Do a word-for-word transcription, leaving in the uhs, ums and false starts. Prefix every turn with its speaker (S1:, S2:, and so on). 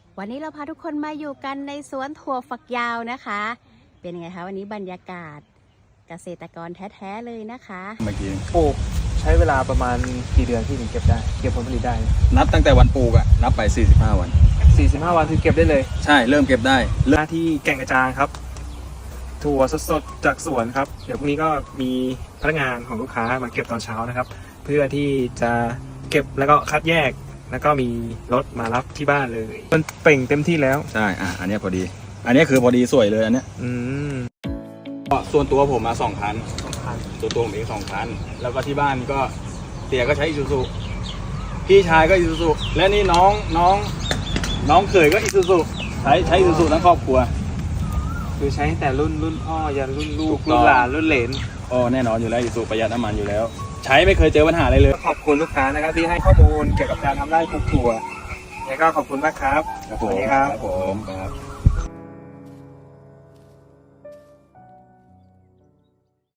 S1: วันนี้เราพาทุกคนมาอยู่กันในสวนถั่วฝักยาวนะคะ เป็นยังไงคะวันนี้บรรยากาศเกษตรกรแท้ๆเลยนะคะ
S2: เมื่อกี้
S3: ปลูกใช้เวลาประมาณกี่เดือนที่ถึงเก็บได้เก็บผลผลิตได้
S2: นับตั้งแต่วันปลูกอะนับไปสี่สิบห้าวัน
S3: สี่สิบห้าวันคือเก็บได้เลย
S2: ใช่เริ่มเก็บได้
S3: หน้าที่แก่งกระจานครับถั่วสดๆจากสวนครับเดี๋ยวพรุ่งนี้ก็มีพนักงานของลูกค้ามาเก็บตอนเช้านะครับ เพื่อที่จะเก็บแล้วก็คัดแยกแล้วก็มีรถมารับที่บ้านเลยมันเปล่งเต็มที่แล้ว
S2: ใช่อ่ะอันเนี้ยพอดี อันเนี้ยคือพอดีสวยเลยอันเนี้ย
S3: อืม
S2: ส่วนตัวผมมาสองคัน
S3: สำคัญ
S2: ตัวตัวผมเองสองคันแล้วก็ที่บ้านก็เตี่ยก็ใช้อิซูซุพี่ชายก็อิซูซุและนี่น้องน้องน้องเขยก็อิซูซุใช้ใช้อิซูซุทั้งครอบครัว
S3: คือใช้ตั้งแต่รุ่นรุ่นพ่อยันรุ่นลูก
S2: ถูกต้อง
S3: รุ่นหลานรุ่นเหลน
S2: อ๋อแน่นอนอยู่แล้วอิซูซุประหยัดน้ำมันอยู่แล้ว ใช้ไม่เคยเจอปัญหาอะไรเลย
S3: ขอบคุณลูกค้านะครับที่ให้ข้อมูลเกี่ยวกับการทำไร่ปลูกถั่วแล้วก็ขอบคุณมากครับ
S2: ครับ
S3: ส
S2: ผ
S3: วัส
S2: ม
S3: ดีครับ
S2: ครับผมครับ